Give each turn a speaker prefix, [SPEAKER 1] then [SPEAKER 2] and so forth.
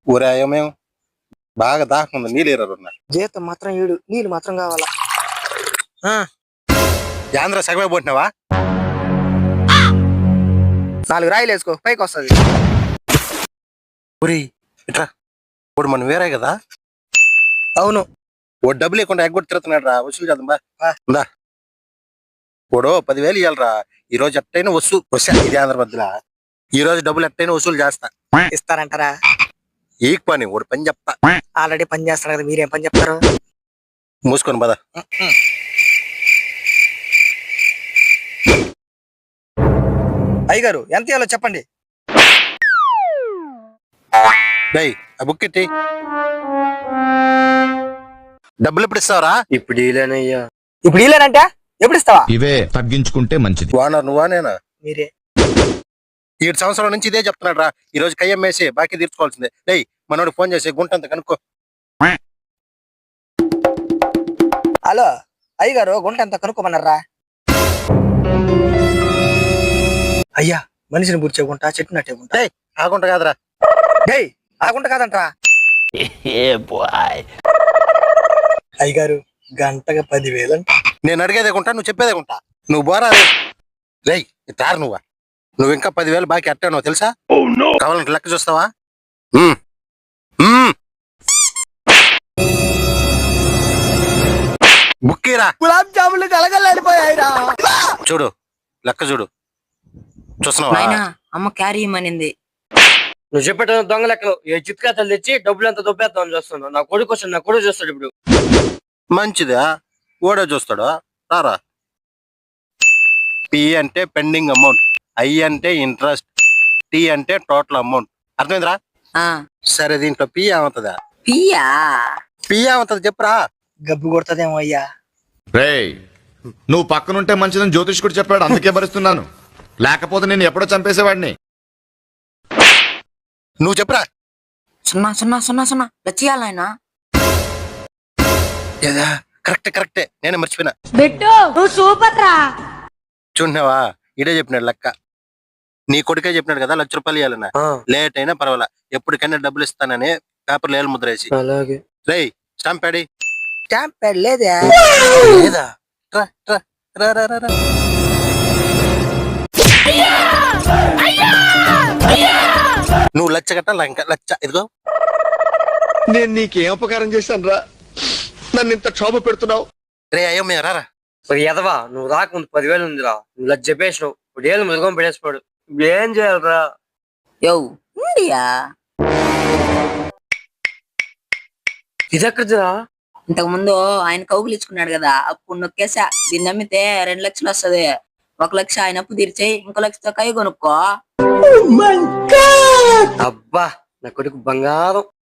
[SPEAKER 1] ఊరాయమేం బాగా దాహం ఉంది, నీళ్ళు ఇరవై
[SPEAKER 2] జీతం మాత్రం 7, నీళ్ళు మాత్రం కావాలా?
[SPEAKER 1] యాంధ్ర సగమే పోతున్నావా?
[SPEAKER 2] 4 రాయిలు వేసుకో, పైకి వస్తుంది.
[SPEAKER 1] ఊరి ఇట్రా, ఇప్పుడు మనం వేరే కదా.
[SPEAKER 2] అవును.
[SPEAKER 1] ఓ డబ్బులు లేకుండా ఎగ్గొట్టి తిరుగుతున్నాడు రా, వసూలు చేద్దాం బా. ఇప్పుడు 10,000 ఇవ్వాలరా. ఈ రోజు ఎట్టయినా వసూలు ఇది ఆంధ్ర మధ్యలో. ఈ రోజు డబ్బులు ఎట్టయినా వసూలు చేస్తా.
[SPEAKER 2] ఇస్తారంటారా?
[SPEAKER 1] ఈ పని ఒకటి పని చెప్తా.
[SPEAKER 2] ఆల్రెడీ పని చేస్తారు కదా, మీరేం పని చెప్తారు?
[SPEAKER 1] మూసుకొని పద.
[SPEAKER 2] అయ్యగారు ఎంత ఇవ్వాలో చెప్పండి.
[SPEAKER 1] డేయ్ ఆ బుక్ ఎత్తి. డబ్బులు ఎప్పుడు ఇస్తావరా?
[SPEAKER 2] ఇప్పుడు ఇలేనయ్యా. ఇప్పుడు ఇలేనంటే ఎప్పుడు ఇస్తావా?
[SPEAKER 3] ఇవే తగ్గించుకుంటే మంచిది.
[SPEAKER 1] వానర్ నువ్వా నేనా?
[SPEAKER 2] మీరే.
[SPEAKER 1] 7 సంవత్సరాల నుంచి ఇదే చెప్తున్నాడు రా. ఈ రోజు కయ్యం వేసి బాకీ తీర్చుకోవాల్సిందే. డేయ్ మనోడు ఫోన్ చేసి గుంటంత కనుక్కో.
[SPEAKER 2] హలో అయ్యగారు, గుంట ఎంత కనుక్కోమన్నారా? అయ్యా, మనిషిని బుర్చే గుంట, చెట్టు నట్టే గుంట.
[SPEAKER 1] డేయ్ ఆ గుంట కాదురా.
[SPEAKER 2] డేయ్ ఆ గుంట కాదంట్రా. అయ్యగారు గంటగా 10,000 అంట.
[SPEAKER 1] నేను అడిగేదే గుంట, నువ్వు చెప్పేదే గుంట. నువ్వు బోరా. రేయ్ తారు నువ్వు ఇంకా 10,000 బాకీ అట్టానో తెలుసా? కావాలంటే లెక్క చూస్తావా? బుక్కీరా.
[SPEAKER 2] గులాబ్ జాములు కలగలేడిపోయాయిరా.
[SPEAKER 1] చూడు లెక్క చూడు. చూస్తున్నావా?
[SPEAKER 4] అమ్మ క్యారీ ఇమ్మనింది.
[SPEAKER 5] నువ్వు చెప్పేట దొంగ లెక్కలు ఏ చిత్కాతలు తెచ్చి డబ్బులు ఎంత దొబ్బేద్దామని చూస్తున్నావు. నా కొడుకు వస్తాడు, నా కొడుకు చూస్తాడు. ఇప్పుడు
[SPEAKER 1] మంచిదా? ఓడే చూస్తాడు రారా. పి అంటే పెండింగ్ అమౌంట్, ఐ అంటే ఇంట్రెస్ట్, టీ అంటే టోటల్ అమౌంట్. అర్థమైందిరా? సరే దీంట్లో పి ఏమవుతుందా? పి ఏమవుతుంది చెప్పురా.
[SPEAKER 2] గబ్బు కొడుతుందేమో అయ్యా.
[SPEAKER 3] రేయ్ నువ్వు పక్కనుంటే మంచిదని జ్యోతిష్కుడు చెప్పాడు, అందుకే భరిస్తున్నాను. లేకపోతే నేను ఎప్పుడో చంపేసేవాడిని.
[SPEAKER 1] నువ్వు చెప్పురా.
[SPEAKER 4] 0 లచ్చియాలి ఆయన.
[SPEAKER 1] కరెక్టే నేనే మర్చిపోయినా. చూడవా ఇడే చెప్పినాడు లెక్క. నీ కొడుకే చెప్పినాడు కదా 1,00,000 రూపాయలు ఇవ్వాలన్నా. లేట్ అయినా పర్వాలా, ఎప్పటికైనా డబ్బులు ఇస్తానని పేపర్లు ఏళ్ళు ముద్ర వేసి.
[SPEAKER 5] అలాగే.
[SPEAKER 1] రేయ్ స్టాంప్ ప్యాడి.
[SPEAKER 2] స్టాంప్ ప్యాడ్ లేదా?
[SPEAKER 1] లేదా? నువ్వు 1,00,000 కట్టాలి, ఇంకా 1,00,000 ఇదిగో.
[SPEAKER 6] నేను నీకేం ఉపకారం చేశాను రా, నన్ను ఇంత క్షోభ పెడుతున్నావు?
[SPEAKER 1] రే అయ్యో మేము రారా.
[SPEAKER 5] ఎదవా, నువ్వు రాకముందు 10,000 ఉందిరా. నువ్వు లజ్జ చెప్పేసినావు. ఇప్పుడు ఏళ్ళు ముదుగం పెట్టేసిపోడు. ఇప్పుడు ఏం చేయాలరా? ఇదెక్కడిదిరా?
[SPEAKER 4] ఇంతకు ముందు ఆయన కౌగులు ఇచ్చుకున్నాడు కదా, అప్పుడు నొక్కేసా. దీన్ని నమ్మితే 2 లక్షలు వస్తుంది. 1,00,000 ఆయన అప్పు తీర్చేయి, ఇంకో 1,00,000తో కై కొనుక్కో.
[SPEAKER 5] అబ్బా నా కొడుకు బంగారం.